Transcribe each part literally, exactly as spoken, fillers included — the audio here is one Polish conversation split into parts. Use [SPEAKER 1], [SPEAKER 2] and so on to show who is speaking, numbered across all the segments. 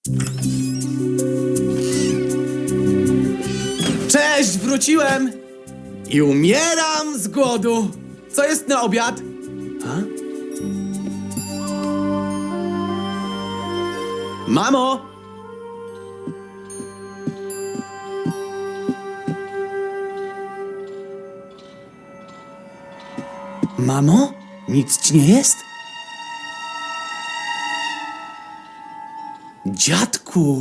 [SPEAKER 1] Cześć, wróciłem! I umieram z głodu! Co jest na obiad? A? Mamo! Mamo? Nic ci nie jest? Dziadku!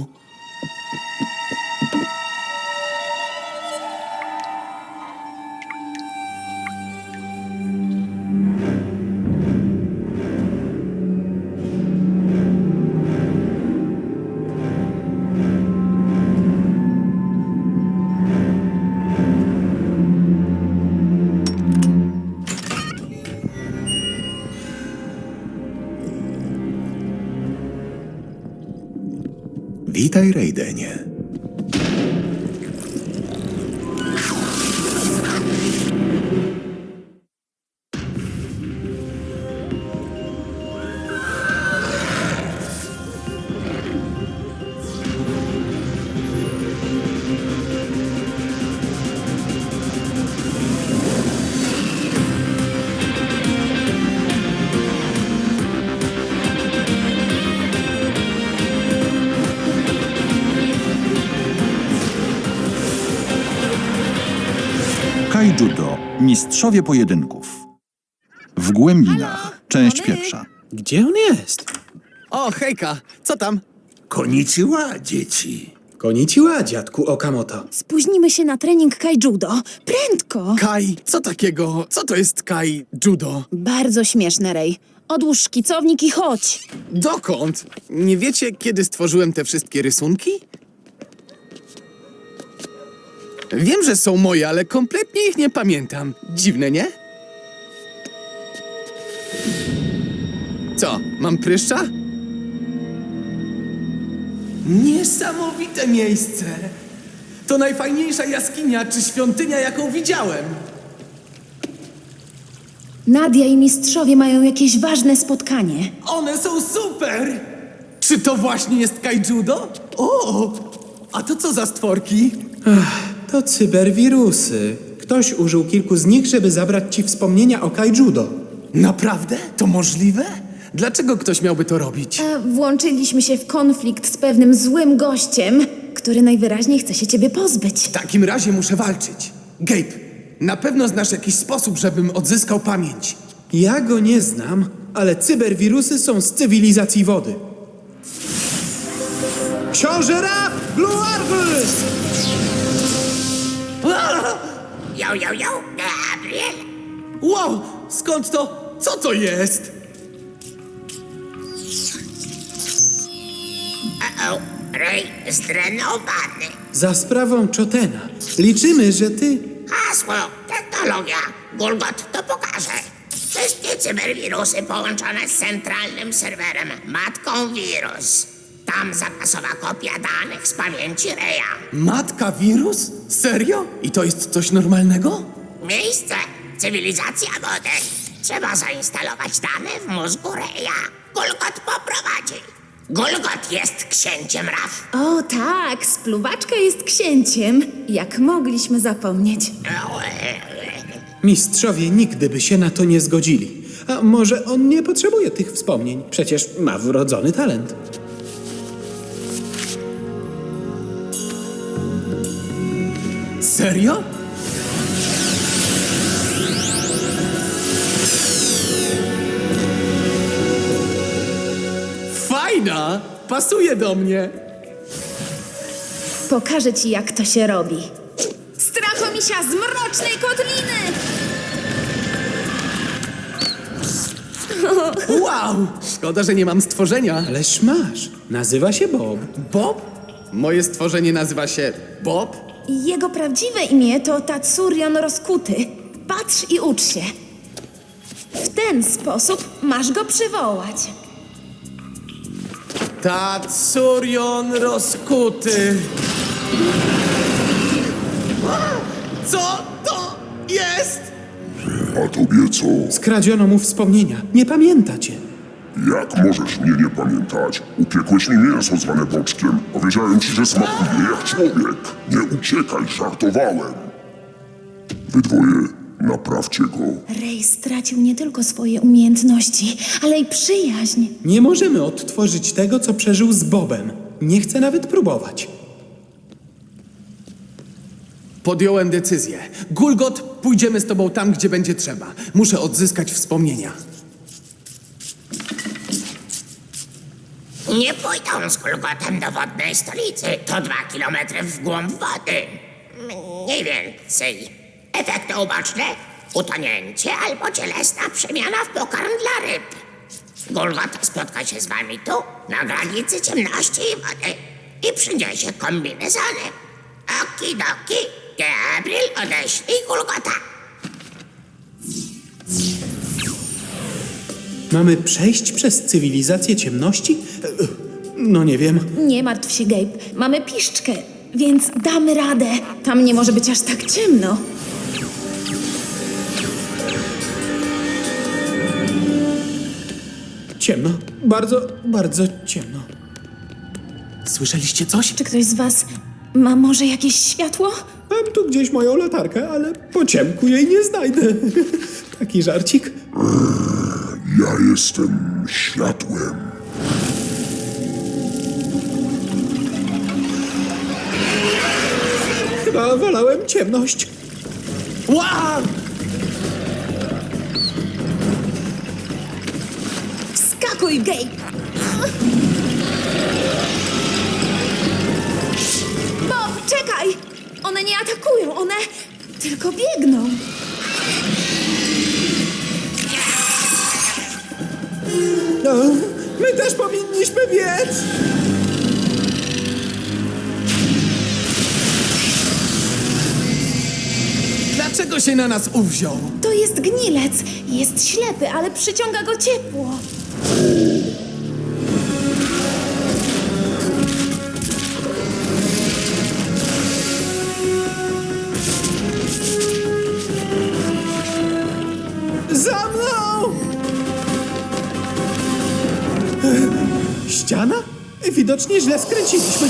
[SPEAKER 2] Witaj, Raidenie.
[SPEAKER 3] Kaijudo – mistrzowie pojedynków. W głębinach. Część pierwsza.
[SPEAKER 1] Gdzie on jest? O, hejka! Co tam?
[SPEAKER 2] Konnichiwa, dzieci.
[SPEAKER 1] Konnichiwa, dziadku Okamoto.
[SPEAKER 4] Spóźnimy się na trening Kaijudo. Prędko!
[SPEAKER 1] Kai, co takiego? Co to jest Kai Judo?
[SPEAKER 4] Bardzo śmieszne, Rej. Odłóż szkicownik i chodź.
[SPEAKER 1] Dokąd? Nie wiecie, kiedy stworzyłem te wszystkie rysunki? Wiem, że są moje, ale kompletnie ich nie pamiętam. Dziwne, nie? Co, mam pryszcza? Niesamowite miejsce! To najfajniejsza jaskinia czy świątynia, jaką widziałem.
[SPEAKER 4] Nadia i mistrzowie mają jakieś ważne spotkanie.
[SPEAKER 1] One są super! Czy to właśnie jest Kaijudo? O! A to co za stworki?
[SPEAKER 5] To cyberwirusy. Ktoś użył kilku z nich, żeby zabrać ci wspomnienia o Kaijudo.
[SPEAKER 1] Naprawdę? To możliwe? Dlaczego ktoś miałby to robić?
[SPEAKER 4] A włączyliśmy się w konflikt z pewnym złym gościem, który najwyraźniej chce się ciebie pozbyć.
[SPEAKER 1] W takim razie muszę walczyć. Gabe, na pewno znasz jakiś sposób, żebym odzyskał pamięć.
[SPEAKER 5] Ja go nie znam, ale cyberwirusy są z cywilizacji wody. Książę Rap! Blue Arbus!
[SPEAKER 6] Yo, yo, yo, Gabriel!
[SPEAKER 1] Wow! Skąd to? Co to jest?
[SPEAKER 6] Uh-oh, Ray zdrenowany.
[SPEAKER 5] Za sprawą Chotena. Liczymy, że ty...
[SPEAKER 6] Hasło, technologia. Gulgot to pokaże. Wszystkie cyberwirusy połączone z centralnym serwerem Matką Wirus. Tam zapasowa kopia danych z pamięci Raya.
[SPEAKER 1] Matka wirus? Serio? I to jest coś normalnego?
[SPEAKER 6] Miejsce, cywilizacja wody. Trzeba zainstalować dane w mózgu Raya. Gulgot poprowadzi. Gulgot jest księciem Raf.
[SPEAKER 4] O tak, spluwaczka jest księciem. Jak mogliśmy zapomnieć.
[SPEAKER 5] Mistrzowie nigdy by się na to nie zgodzili. A może on nie potrzebuje tych wspomnień? Przecież ma wrodzony talent.
[SPEAKER 1] Serio? Fajna! Pasuje do mnie!
[SPEAKER 4] Pokażę ci, jak to się robi. Strachomisia z mrocznej kotliny!
[SPEAKER 1] Wow! Szkoda, że nie mam stworzenia.
[SPEAKER 5] Ależ masz. Nazywa się Bob.
[SPEAKER 1] Bob? Moje stworzenie nazywa się Bob?
[SPEAKER 4] Jego prawdziwe imię to Tatsurion Rozkuty. Patrz i ucz się. W ten sposób masz go przywołać.
[SPEAKER 1] Tatsurion rozkuty. Co to jest?
[SPEAKER 7] A tobie co?
[SPEAKER 5] Skradziono mu wspomnienia. Nie pamięta cię.
[SPEAKER 7] Jak możesz mnie nie pamiętać? Upiekłeś mi mięso zwane boczkiem. Powiedziałem ci, że smakuje jak człowiek. Nie uciekaj, żartowałem. Wy dwoje, naprawcie go.
[SPEAKER 4] Ray stracił nie tylko swoje umiejętności, ale i przyjaźń.
[SPEAKER 5] Nie możemy odtworzyć tego, co przeżył z Bobem. Nie chcę nawet próbować.
[SPEAKER 1] Podjąłem decyzję. Gulgot, pójdziemy z tobą tam, gdzie będzie trzeba. Muszę odzyskać wspomnienia.
[SPEAKER 6] Nie pójdą z Gulgotem do wodnej stolicy. To dwa kilometry w głąb wody. Mniej więcej. Efekty uboczne? Utonięcie albo cielesna przemiana w pokarm dla ryb. Gulgot spotka się z wami tu, na granicy ciemności i wody i przyniesie kombinezony. Okidoki, Gabriel, odeślij Gulgota.
[SPEAKER 5] Mamy przejść przez cywilizację ciemności? E, No nie wiem.
[SPEAKER 4] Nie martw się, Gabe. Mamy piszczkę, więc damy radę. Tam nie może być aż tak ciemno.
[SPEAKER 5] Ciemno. Bardzo, bardzo ciemno.
[SPEAKER 1] Słyszeliście coś?
[SPEAKER 4] Czy ktoś z was ma może jakieś światło?
[SPEAKER 5] Mam tu gdzieś moją latarkę, ale po ciemku jej nie znajdę. Taki żarcik.
[SPEAKER 7] Ja jestem światłem.
[SPEAKER 5] Chyba wolałem ciemność.
[SPEAKER 1] Wow!
[SPEAKER 4] Wskakuj, Gabe! Bob, czekaj! One nie atakują, one tylko biegną.
[SPEAKER 5] No, my też powinniśmy biec.
[SPEAKER 1] Dlaczego się na nas uwziął?
[SPEAKER 4] To jest gnilec. Jest ślepy, ale przyciąga go ciepło.
[SPEAKER 5] Za mną! Ściana? Widocznie źle skręciliśmy.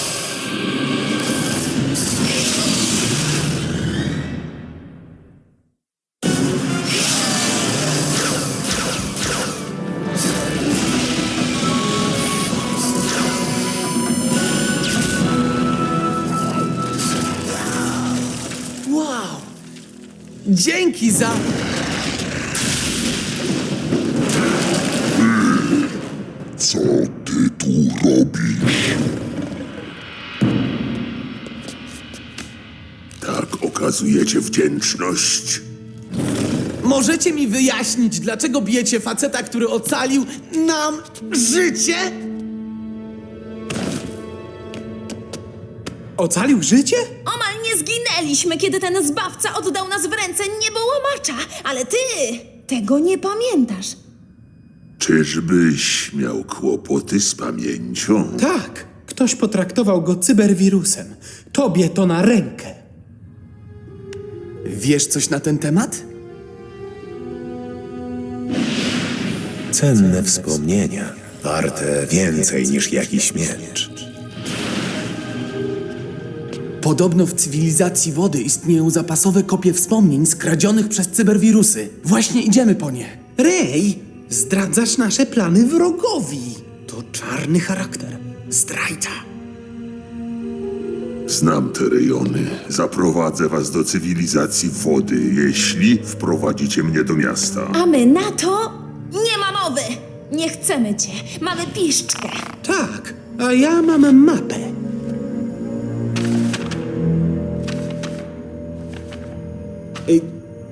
[SPEAKER 1] Wow! Dzięki za...
[SPEAKER 7] Co ty tu robisz? Tak okazujecie wdzięczność?
[SPEAKER 1] Możecie mi wyjaśnić, dlaczego bijecie faceta, który ocalił nam życie?
[SPEAKER 5] Ocalił życie?
[SPEAKER 4] Omal nie zginęliśmy, kiedy ten zbawca oddał nas w ręce niebołomacza. Ale ty tego nie pamiętasz.
[SPEAKER 2] Czyżbyś miał kłopoty z pamięcią?
[SPEAKER 5] Tak. Ktoś potraktował go cyberwirusem. Tobie to na rękę.
[SPEAKER 1] Wiesz coś na ten temat?
[SPEAKER 2] Cenne wspomnienia, warte więcej niż jakiś miecz.
[SPEAKER 1] Podobno w cywilizacji wody istnieją zapasowe kopie wspomnień skradzionych przez cyberwirusy. Właśnie idziemy po nie.
[SPEAKER 5] Ray, zdradzasz nasze plany wrogowi. To czarny charakter. Zdrajca.
[SPEAKER 7] Znam te rejony. Zaprowadzę was do cywilizacji wody, jeśli wprowadzicie mnie do miasta.
[SPEAKER 4] A my na to nie ma mowy. Nie chcemy cię. Mamy piszczkę.
[SPEAKER 5] Tak, a ja mam mapę. Ej,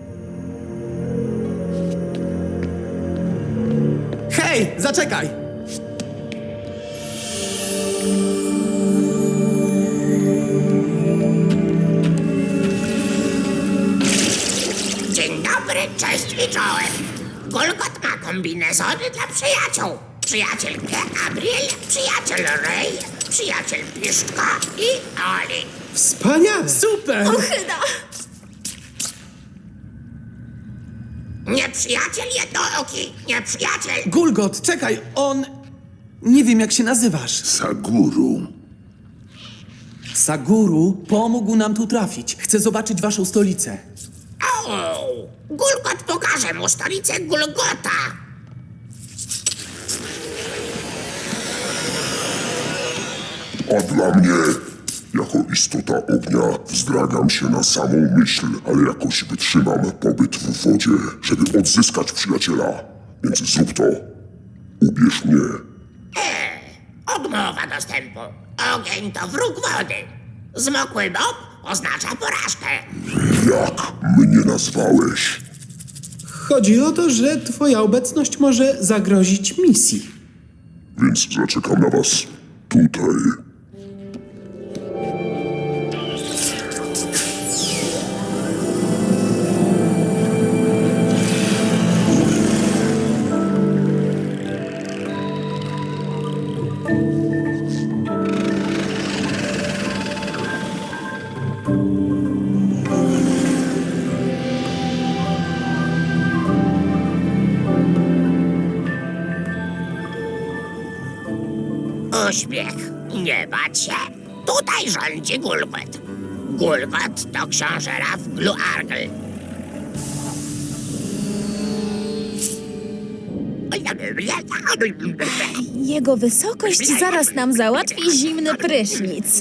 [SPEAKER 1] Hej, zaczekaj!
[SPEAKER 6] Dzień dobry, cześć i czołem. Gulgot ma kombinezony dla przyjaciół. Przyjaciel Gabriel, przyjaciel Ray, przyjaciel Piszka i Oli.
[SPEAKER 5] wspaniale.
[SPEAKER 1] Super!
[SPEAKER 4] Ochyda!
[SPEAKER 6] Nieprzyjaciel jednooki! Nieprzyjaciel!
[SPEAKER 1] Gulgot, czekaj, on... Nie wiem, jak się nazywasz.
[SPEAKER 2] Saguru.
[SPEAKER 1] Saguru pomógł nam tu trafić. Chcę zobaczyć waszą stolicę.
[SPEAKER 6] O! Gulgot pokaże mu stolicę Gulgota!
[SPEAKER 7] A dla mnie, jako istota ognia, wzdragam się na samą myśl, ale jakoś wytrzymam pobyt w wodzie, żeby odzyskać przyjaciela. Więc zrób to. Ubierz mnie.
[SPEAKER 6] Odmowa dostępu. Ogień to wróg wody. Zmokły bob oznacza porażkę.
[SPEAKER 7] Jak mnie nazwałeś?
[SPEAKER 5] Chodzi o to, że twoja obecność może zagrozić misji.
[SPEAKER 7] Więc zaczekam na was tutaj.
[SPEAKER 6] Uśmiech. Nie bać się. Tutaj rządzi Gulgot. Gulgot to książę Raf Gluargl.
[SPEAKER 4] Jego wysokość zaraz nam załatwi zimny prysznic.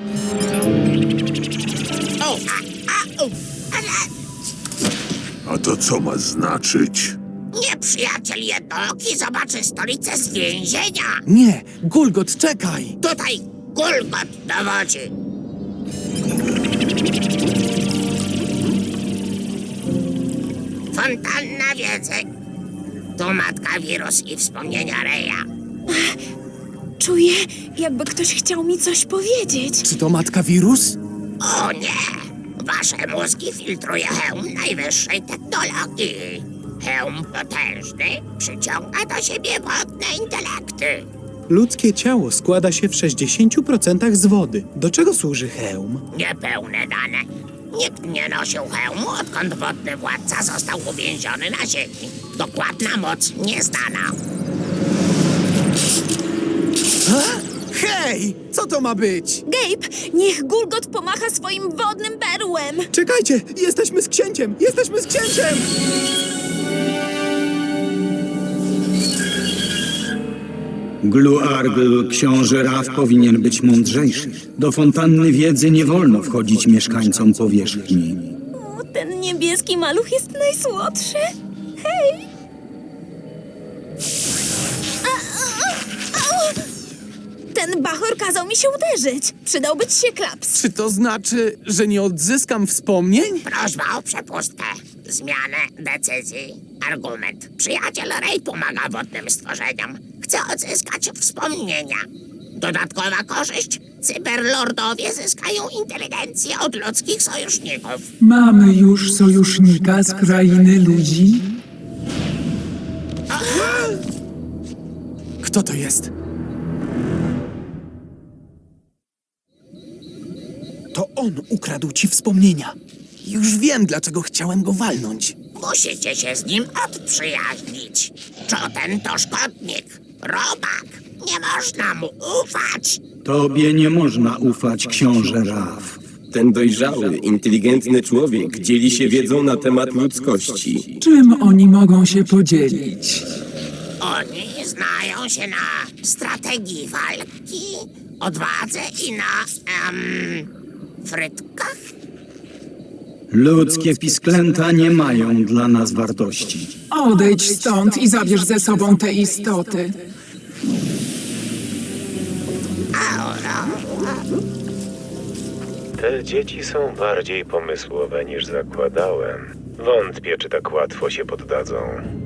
[SPEAKER 6] O, a, a, u, ale
[SPEAKER 2] A to co ma znaczyć?
[SPEAKER 6] nieprzyjaciel jednooki zobaczy stolicę z więzienia.
[SPEAKER 1] Nie, Gulgot, czekaj!
[SPEAKER 6] Tutaj Gulgot dowodzi. Fontanna wiedzy. Tu matka wirus i wspomnienia Reja.
[SPEAKER 4] Czuję, jakby ktoś chciał mi coś powiedzieć.
[SPEAKER 1] Czy to matka wirus?
[SPEAKER 6] O nie! Wasze mózgi filtruje hełm najwyższej technologii. Hełm potężny przyciąga do siebie wodne intelekty.
[SPEAKER 5] Ludzkie ciało składa się w sześćdziesięciu procentach z wody. Do czego służy hełm?
[SPEAKER 6] Niepełne dane. Nikt nie nosił hełmu, odkąd wodny władca został uwięziony na ziemi. Dokładna moc nieznana.
[SPEAKER 1] Hej! Co to ma być?
[SPEAKER 4] Gabe, niech Gulgot pomacha swoim wodnym berłem.
[SPEAKER 5] Czekajcie! Jesteśmy z księciem! Jesteśmy z księciem!
[SPEAKER 8] Gluargl, książę Raf, powinien być mądrzejszy. Do fontanny wiedzy nie wolno wchodzić mieszkańcom powierzchni.
[SPEAKER 4] O, ten niebieski maluch jest najsłodszy. Hej! A, a, a, ten bachor kazał mi się uderzyć. Przydałby ci się klaps.
[SPEAKER 1] Czy to znaczy, że nie odzyskam wspomnień?
[SPEAKER 6] Prośba o przepustkę. Zmianę decyzji. Argument. Przyjaciel Rej pomaga wodnym stworzeniom. Chce odzyskać wspomnienia. Dodatkowa korzyść. Cyberlordowie zyskają inteligencję od ludzkich sojuszników.
[SPEAKER 9] Mamy już sojusznika z krainy ludzi?
[SPEAKER 1] Kto to jest?
[SPEAKER 5] To on ukradł ci wspomnienia.
[SPEAKER 1] Już wiem, dlaczego chciałem go walnąć.
[SPEAKER 6] Musicie się z nim odprzyjaźnić. Czoten to szkodnik. Robak. Nie można mu ufać.
[SPEAKER 8] Tobie nie można ufać, książę Raf.
[SPEAKER 10] Ten dojrzały, inteligentny człowiek dzieli się wiedzą na temat ludzkości.
[SPEAKER 9] Czym oni mogą się podzielić?
[SPEAKER 6] Oni znają się na strategii walki, odwadze i na... em, frytkach?
[SPEAKER 8] Ludzkie pisklęta nie mają dla nas wartości.
[SPEAKER 9] Odejdź stąd i zabierz ze sobą te istoty.
[SPEAKER 11] Te dzieci są bardziej pomysłowe niż zakładałem. Wątpię, czy tak łatwo się poddadzą.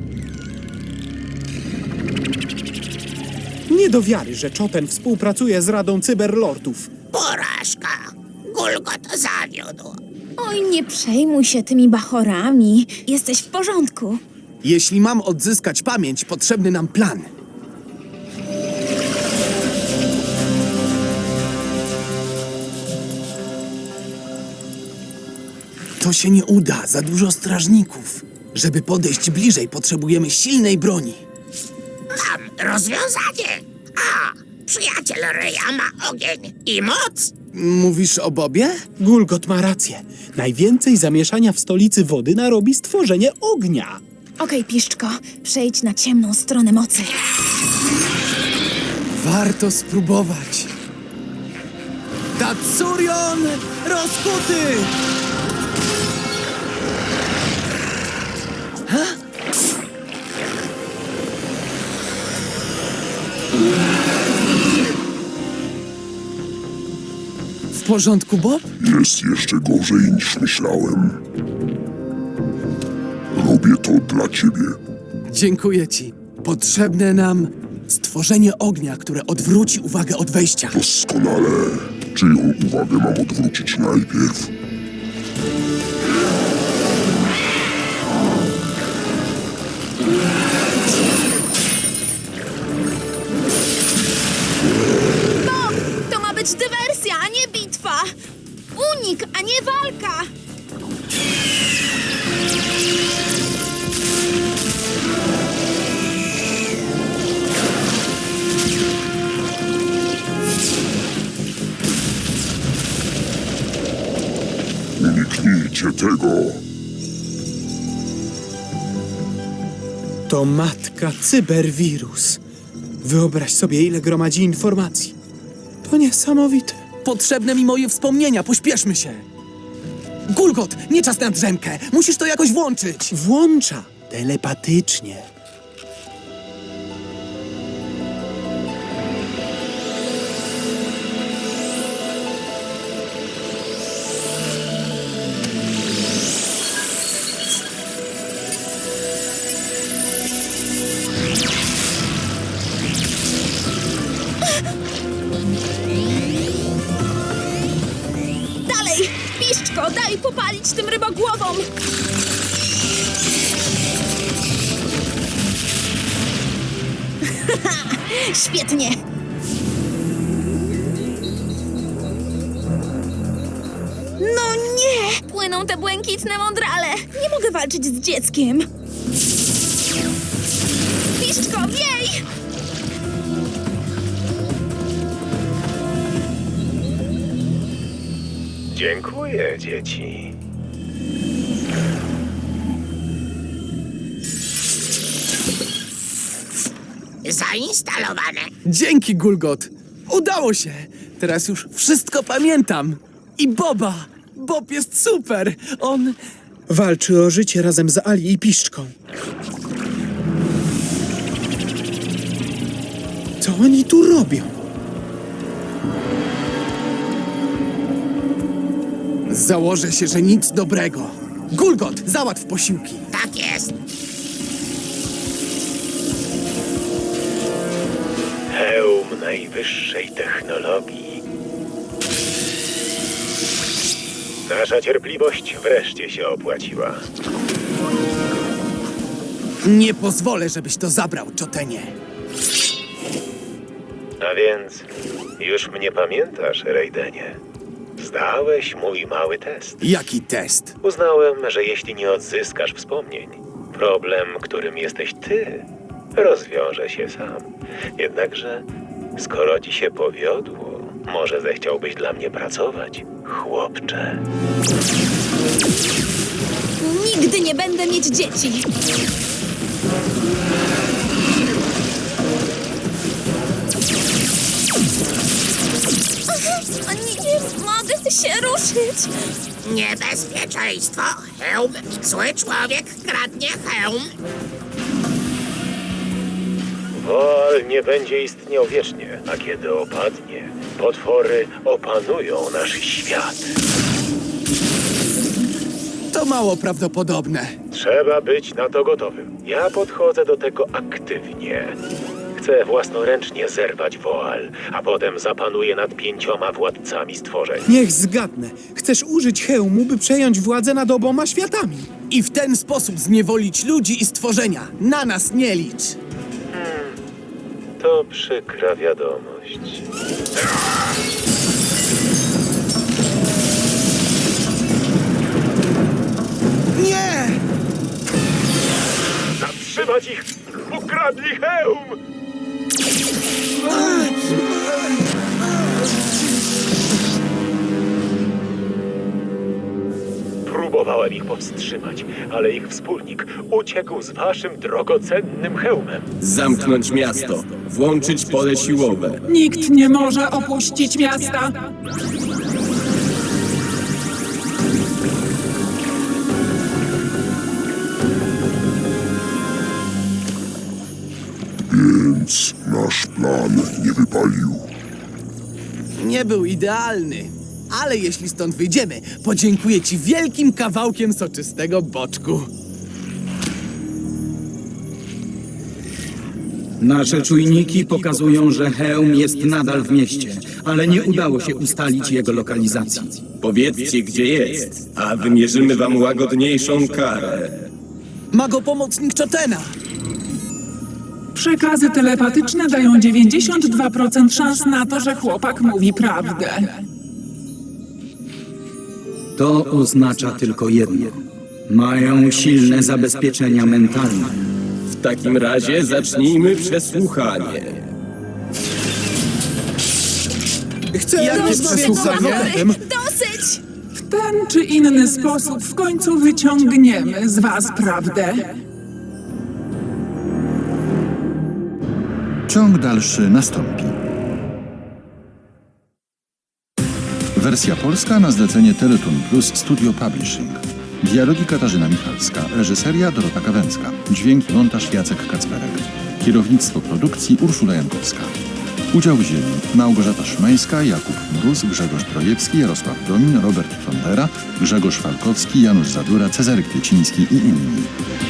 [SPEAKER 5] Nie do wiary, że Czoten współpracuje z Radą Cyberlordów.
[SPEAKER 6] Porażka. Gulgot zawiódł.
[SPEAKER 4] Oj, nie przejmuj się tymi bachorami. Jesteś w porządku.
[SPEAKER 1] Jeśli mam odzyskać pamięć, potrzebny nam plan. To się nie uda, za dużo strażników. Żeby podejść bliżej, potrzebujemy silnej broni.
[SPEAKER 6] Mam rozwiązanie. A, przyjaciel Ryja ma ogień i moc.
[SPEAKER 1] Mówisz o Bobie?
[SPEAKER 5] Gulgot ma rację. Najwięcej zamieszania w stolicy wody narobi stworzenie ognia.
[SPEAKER 4] Okej, Piszczko, przejdź na ciemną stronę mocy.
[SPEAKER 1] Warto spróbować. Tatsurion rozkuty! Ha? W porządku, Bob?
[SPEAKER 7] Jest jeszcze gorzej niż myślałem. Robię to dla ciebie.
[SPEAKER 1] Dziękuję ci. Potrzebne nam stworzenie ognia, które odwróci uwagę od wejścia.
[SPEAKER 7] Doskonale. Czyją uwagę mam odwrócić najpierw?
[SPEAKER 4] Bob, to ma być dywersja, a nie bitwa. Unik, a nie walka.
[SPEAKER 7] Uniknijcie tego.
[SPEAKER 5] To matka cyberwirus. Wyobraź sobie, ile gromadzi informacji. To niesamowite.
[SPEAKER 1] Potrzebne mi moje wspomnienia, pośpieszmy się. Gulgot, nie czas na drzemkę. Musisz to jakoś włączyć.
[SPEAKER 5] Włącza telepatycznie.
[SPEAKER 4] Dalej, Piszczko, daj popalić tym rybogłowom. Świetnie. No nie! Płyną te błękitne mądrale. Nie mogę walczyć z dzieckiem. Piszczko, wiej!
[SPEAKER 11] Dziękuję, dzieci.
[SPEAKER 6] Zainstalowane.
[SPEAKER 1] Dzięki, Gulgot. Udało się. Teraz już wszystko pamiętam. I Boba. Bob jest super. On...
[SPEAKER 5] Walczy o życie razem z Ali i Piszczką. Co oni tu robią?
[SPEAKER 1] Założę się, że nic dobrego. Gulgot, załatw posiłki.
[SPEAKER 6] Tak jest.
[SPEAKER 11] Hełm najwyższej technologii. Nasza cierpliwość wreszcie się opłaciła.
[SPEAKER 1] Nie pozwolę, żebyś to zabrał, Chotenie.
[SPEAKER 11] A więc już mnie pamiętasz, Raidenie. Zdałeś mój mały test.
[SPEAKER 1] Jaki test?
[SPEAKER 11] Uznałem, że jeśli nie odzyskasz wspomnień, problem, którym jesteś ty, rozwiąże się sam. Jednakże, skoro ci się powiodło, może zechciałbyś dla mnie pracować, chłopcze.
[SPEAKER 4] Nigdy nie będę mieć dzieci. Nie, nie mogę się ruszyć.
[SPEAKER 6] Niebezpieczeństwo. Hełm. Zły człowiek kradnie hełm.
[SPEAKER 11] Woal nie będzie istniał wiecznie, a kiedy opadnie, potwory opanują nasz świat.
[SPEAKER 1] To mało prawdopodobne.
[SPEAKER 11] Trzeba być na to gotowym. Ja podchodzę do tego aktywnie. Chcę własnoręcznie zerwać Woal, a potem zapanuję nad pięcioma władcami stworzeń.
[SPEAKER 5] Niech zgadnę. Chcesz użyć hełmu, by przejąć władzę nad oboma światami.
[SPEAKER 1] I w ten sposób zniewolić ludzi i stworzenia. Na nas nie licz.
[SPEAKER 11] To przykra wiadomość.
[SPEAKER 1] Nie!
[SPEAKER 11] powstrzymać ich! Ukradli hełm! Próbowałem ich powstrzymać, ale ich wspólnik uciekł z waszym drogocennym hełmem.
[SPEAKER 10] Zamknąć miasto, włączyć pole siłowe.
[SPEAKER 9] Nikt nie może opuścić miasta.
[SPEAKER 7] Więc nasz plan nie wypalił.
[SPEAKER 1] Nie był idealny, ale jeśli stąd wyjdziemy, podziękuję ci wielkim kawałkiem soczystego boczku.
[SPEAKER 8] Nasze czujniki pokazują, że hełm jest nadal w mieście, ale nie udało się ustalić jego lokalizacji.
[SPEAKER 10] Powiedzcie, gdzie jest, a wymierzymy wam łagodniejszą karę.
[SPEAKER 1] Magopomocnik Chotena!
[SPEAKER 9] Przekazy telepatyczne dają dziewięćdziesiąt dwa procent szans na to, że chłopak mówi prawdę.
[SPEAKER 8] To oznacza tylko jedno. Mają silne zabezpieczenia mentalne.
[SPEAKER 10] W takim razie zacznijmy przesłuchanie.
[SPEAKER 1] Chcę
[SPEAKER 4] Dość
[SPEAKER 1] jakieś
[SPEAKER 4] tego,
[SPEAKER 1] przesłuchanie.
[SPEAKER 4] Małpy! Dosyć!
[SPEAKER 9] W ten czy inny sposób w końcu wyciągniemy z was prawdę.
[SPEAKER 3] Ciąg dalszy nastąpi. Wersja polska na zlecenie Teletoon Plus Studio Publishing. Dialogi Katarzyna Michalska, reżyseria Dorota Kawęcka, dźwięk i montaż Jacek Kacperek, kierownictwo produkcji Urszula Jankowska. Udział wzięli Małgorzata Szymańska, Jakub Mróz, Grzegorz Trojewski, Jarosław Domin, Robert Fondera, Grzegorz Falkowski, Janusz Zadura, Cezary Kwieciński i inni.